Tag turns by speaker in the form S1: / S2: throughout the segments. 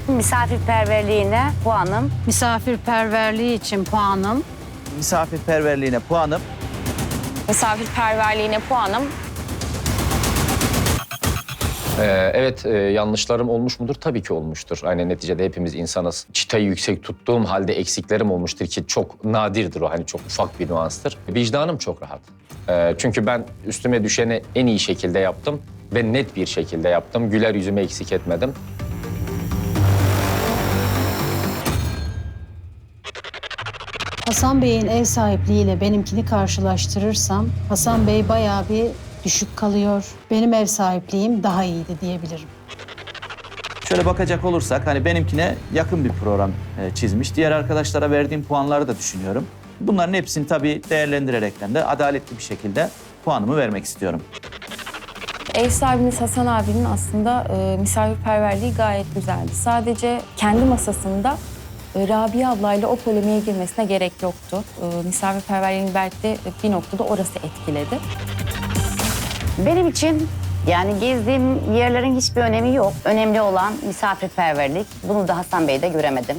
S1: Misafirperverliğine puanım.
S2: Misafirperverliği için puanım.
S3: Misafirperverliğine puanım.
S4: Misafirperverliğine puanım.
S5: Evet, yanlışlarım olmuş mudur? Tabii ki olmuştur. Hani neticede hepimiz insanız. Çıtayı yüksek tuttuğum halde eksiklerim olmuştur ki çok nadirdir o. Hani çok ufak bir nüanstır. Vicdanım çok rahat. Çünkü ben üstüme düşeni en iyi şekilde yaptım ve net bir şekilde yaptım. Güler yüzümü eksik etmedim.
S2: Hasan Bey'in ev sahipliğiyle benimkini karşılaştırırsam Hasan Bey bayağı bir düşük kalıyor. Benim ev sahipliğim daha iyiydi diyebilirim.
S3: Şöyle bakacak olursak hani benimkine yakın bir program çizmiş. Diğer arkadaşlara verdiğim puanları da düşünüyorum. Bunların hepsini tabii değerlendirerekten de adaletli bir şekilde puanımı vermek istiyorum.
S4: Ev sahibimiz Hasan abinin aslında misafirperverliği gayet güzeldi. Sadece kendi masasında Rabia ablayla o polemiğe girmesine gerek yoktu. Misafirperverliğini belki de bir noktada orası etkiledi.
S1: Benim için yani gezdiğim yerlerin hiçbir önemi yok. Önemli olan misafirperverlik. Bunu da Hasan Bey'de göremedim.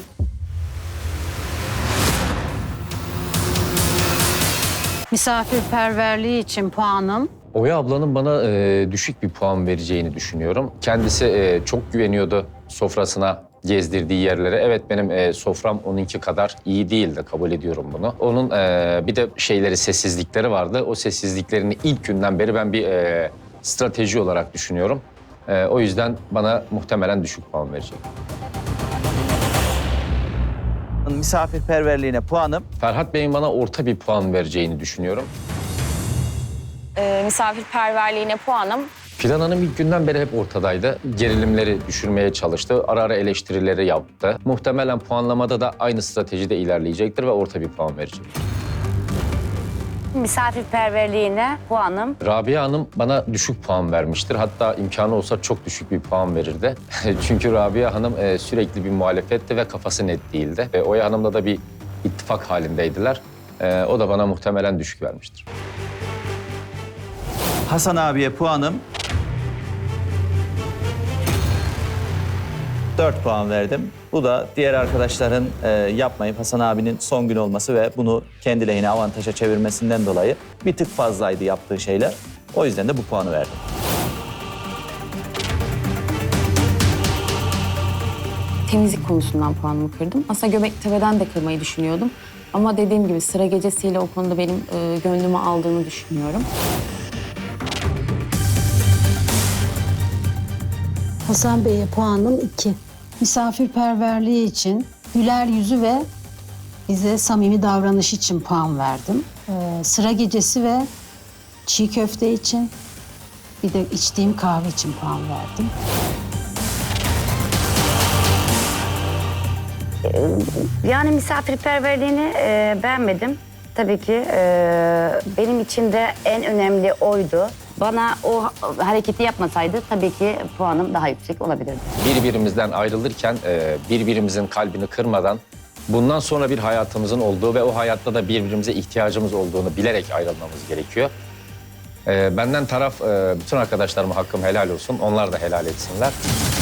S2: Misafirperverliği için puanım.
S5: Oya ablanın bana düşük bir puan vereceğini düşünüyorum. Kendisi çok güveniyordu sofrasına, gezdirdiği yerlere. Evet, benim sofram onunki kadar iyi değildi, kabul ediyorum bunu. Onun bir de sessizlikleri vardı. O sessizliklerini ilk günden beri ben bir strateji olarak düşünüyorum. O yüzden bana muhtemelen düşük puan verecek.
S3: Misafirperverliğine puanım.
S5: Ferhat Bey'in bana orta bir puan vereceğini düşünüyorum.
S4: Misafirperverliğine puanım.
S5: Fidan Hanım ilk günden beri hep ortadaydı. Gerilimleri düşürmeye çalıştı. Ara ara eleştirileri yaptı. Muhtemelen puanlamada da aynı stratejide ilerleyecektir ve orta bir puan verecek.
S1: Misafirperverliğine puanım.
S5: Rabia Hanım bana düşük puan vermiştir. Hatta imkanı olsa çok düşük bir puan verirdi. Çünkü Rabia Hanım sürekli bir muhalefetti ve kafası net değildi. Oya Hanım'la da bir ittifak halindeydiler. O da bana muhtemelen düşük vermiştir.
S3: Hasan abiye puanım. 4 puan verdim. Bu da diğer arkadaşların yapmayıp Hasan abinin son gün olması ve bunu kendi lehine avantaja çevirmesinden dolayı bir tık fazlaydı yaptığı şeyler. O yüzden de bu puanı verdim.
S4: Temizlik konusundan puanımı kırdım. Aslında Göbektepe'den de kırmayı düşünüyordum. Ama dediğim gibi sıra gecesiyle o konuda benim gönlümü aldığını düşünüyorum.
S2: Hasan Bey'e puanım 2. Misafirperverliği için, güler yüzü ve bize samimi davranış için puan verdim. Sıra gecesi ve çiğ köfte için, bir de içtiğim kahve için puan verdim.
S1: Yani misafirperverliğini beğenmedim. Tabii ki benim için de en önemli oydu. Bana o hareketi yapmasaydı tabii ki puanım daha yüksek olabilirdi.
S5: Birbirimizden ayrılırken birbirimizin kalbini kırmadan bundan sonra bir hayatımızın olduğu ve o hayatta da birbirimize ihtiyacımız olduğunu bilerek ayrılmamız gerekiyor. Benden taraf bütün arkadaşlarıma hakkım helal olsun. Onlar da helal etsinler.